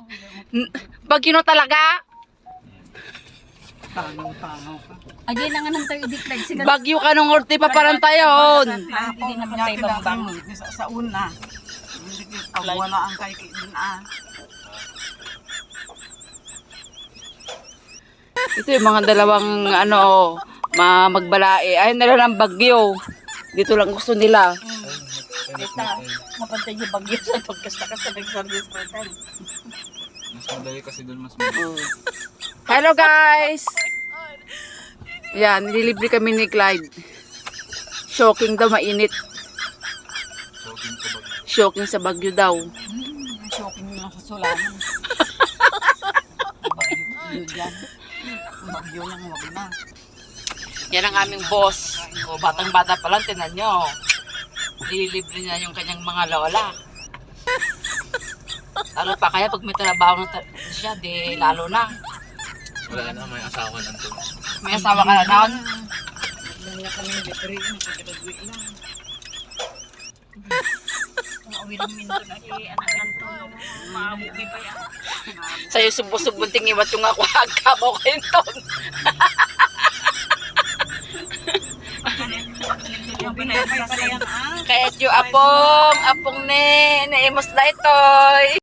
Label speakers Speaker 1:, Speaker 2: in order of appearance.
Speaker 1: Bagyo na talaga.
Speaker 2: Tangaw-tangaw ka.
Speaker 3: Agay na nga nang tayo i-declare. Sige.
Speaker 1: Bagyo ka nung orte pa parang tayon.
Speaker 3: Hindi na pa tayo babang.
Speaker 2: Sa una. Wala ang kay din
Speaker 1: Ito yung mga dalawang magbalae. Ay nila ng bagyo. Dito lang gusto nila.
Speaker 3: Kita, mapantay yung bagyo sa pagkasta-kasta nag-service per time.
Speaker 4: Mas madali kasi doon, mas madali.
Speaker 1: Hello guys! Yan, nililibre kami ni Clyde. Shocking daw, mainit.
Speaker 4: Shocking ko ba?
Speaker 1: Shocking sa bagyo daw.
Speaker 2: Shocking na sa sulanan. Bagyo dyan. Bagyo lang, wag na.
Speaker 1: Yan ang aming boss. O, batang-bata pa lang, tinan nyo. Nililibre niya yung kanyang mga lola. Lalo pa kaya pag may trabaho na siya, di lalo na.
Speaker 4: Wala na, may asawa na to.
Speaker 1: May asawa ka na noon.
Speaker 2: Wala kami libre, nakagraduate lang.
Speaker 3: Mauwi ng minto na anak ng to. Maabuki pa yan.
Speaker 1: Sa'yo subos-subong tingiwat yung ako agkabaw kayo ton.
Speaker 3: Yung pinapay pala yan
Speaker 1: Kaya yung apong ne, naimos na itoy.